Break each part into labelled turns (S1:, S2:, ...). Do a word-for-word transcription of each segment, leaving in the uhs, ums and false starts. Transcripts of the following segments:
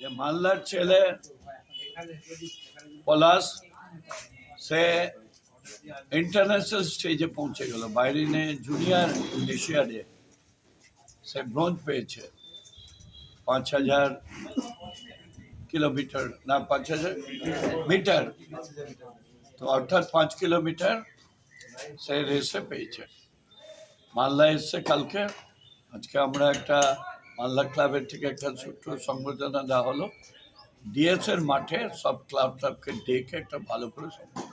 S1: যে মালদার ছেলে পলাশ সে ইন্টারন্যাশনাল স্টেজে পৌঁছে গেল, বাইরিনে জুনিয়র এশিয়াডে সে ব্রোঞ্জ পেয়েছে। পাঁচ হাজার কিলোমিটার না পাঁচ হাজার মিটার, তো অর্থাৎ পাঁচ কিলোমিটার সে রেসে পেয়েছে। মালদা এসছে কালকে। আজকে আমরা একটা মালদা ক্লাবের থেকে একটা ছোট্ট সংবর্ধনা দেওয়া হলো। ডিএস এর মাঠে সব ক্লাব ক্লাবকে ডেকে একটা ভালো করে সংবর্ধনা।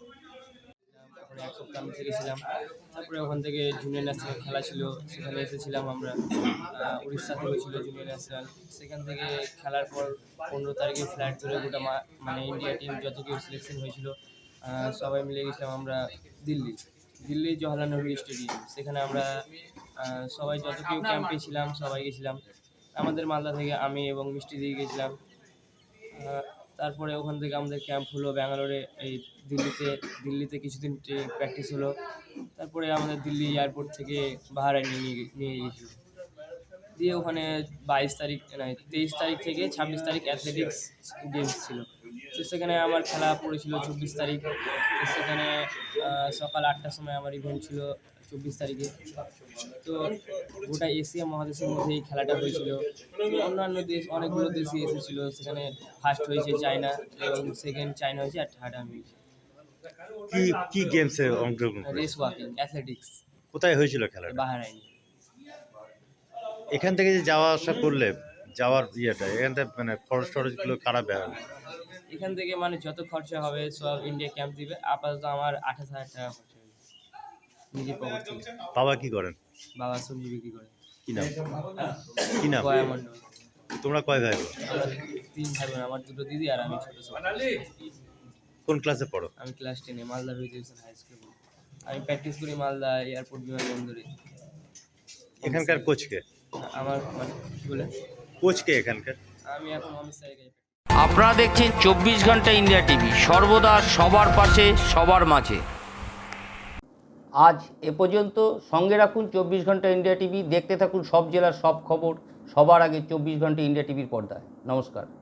S2: এক সপ্তাহ আমি থেকেছিলাম, তারপরে ওখান থেকে জুনিয়র ন্যাশনাল খেলা ছিল, সেখানে এসেছিলাম আমরা। উড়িষ্যা থেকে ছিল জুনিয়র ন্যাশনাল, সেখান থেকে খেলার পর পনেরো তারিখে ফ্লাইট ধরে গোটা মানে ইন্ডিয়া টিম যত কেউ সিলেকশন হয়েছিল সবাই মিলে গেছিলাম আমরা দিল্লি দিল্লি জওহরলাল নেহরু স্টেডিয়াম। সেখানে আমরা সবাই যত কেউ ক্যাম্পে ছিলাম সবাই গেছিলাম। আমাদের মালদা থেকে আমি এবং মিষ্টি দিয়ে গেছিলাম। তারপরে ওখান থেকে আমাদের ক্যাম্প হলো ব্যাঙ্গালোরে, এই দিল্লিতে দিল্লিতে কিছুদিন প্র্যাকটিস হলো। তারপরে আমাদের দিল্লি এয়ারপোর্ট থেকে বাহারাইনে নিয়ে নিয়ে গিয়েছিল। দিয়ে ওখানে বাইশ তারিখ নয় তেইশ তারিখ থেকে ছাব্বিশ তারিখ অ্যাথলেটিক্স গেমস ছিল। তো সেখানে আমার খেলা পড়েছিল চব্বিশ তারিখ। তো সেখানে সকাল আটটার সময় আমার ইভেন্ট ছিল চব্বিশ তারিখে। তো গোটা এশিয়া মহাদেশের মধ্যে এই খেলাটা হয়েছিল। অন্যান্য দেশ অনেকগুলো দেশই এসেছিল। সেখানে ফার্স্ট হয়েছে চায়না এবং সেকেন্ড চায়না হয়েছে, আর থার্ড আমি হয়েছি।
S3: কি কি গেমসে অংশগ্রহণ?
S2: Race walking, athletics.
S3: কোথায় হয়েছিল খেলাটা?
S2: বাহারাইনে।
S3: এখান থেকে যে যাওয়া আসা করলে যাওয়ার ইয়েটা এখান থেকে মানে খরচ টরচগুলো কারা বেড়াবে?
S2: এখান থেকে মানে যত খরচা হবে সব ইন্ডিয়া ক্যাম্প দিবে। আপাতত আমার আঠাশ হাজার টাকা খরচা হয়েছে নিজের পকেট থেকে।
S3: বাবা কি করেন?
S2: বাবা সবজি বিক্রি করে।
S3: কি নাম? কি নাম?
S2: গয়া মন্ডল।
S3: তোমরা কয় ভাই?
S2: আমরা তিন ভাই বোন, আমার দুটো দিদি আর আমি ছোট ছোট।
S3: কোন ক্লাসে পড়ো?
S2: আমি ক্লাস টেনে মালদা ভিজুয়েশন হাই স্কুল। আমি প্র্যাকটিস করি মালদা এয়ারপোর্ট বিমানবন্দরে।
S3: এখানকার কোচকে?
S2: আমার মানে কি বলে
S3: কোচকে এখানকার?
S2: আমি এখন অমিত স্যারকে।
S4: আপনারা দেখছেন চব্বিশ ঘন্টা ইন্ডিয়া টিভি, সর্বদা সবার পাশে সবার মাঝে।
S5: আজ এ পর্যন্ত। সঙ্গে রাখুন চব্বিশ ঘন্টা ইন্ডিয়া টিভি। দেখতে থাকুন সব জেলার সব খবর সবার আগে চব্বিশ ঘন্টা ইন্ডিয়া টিভির পর্দায়। নমস্কার।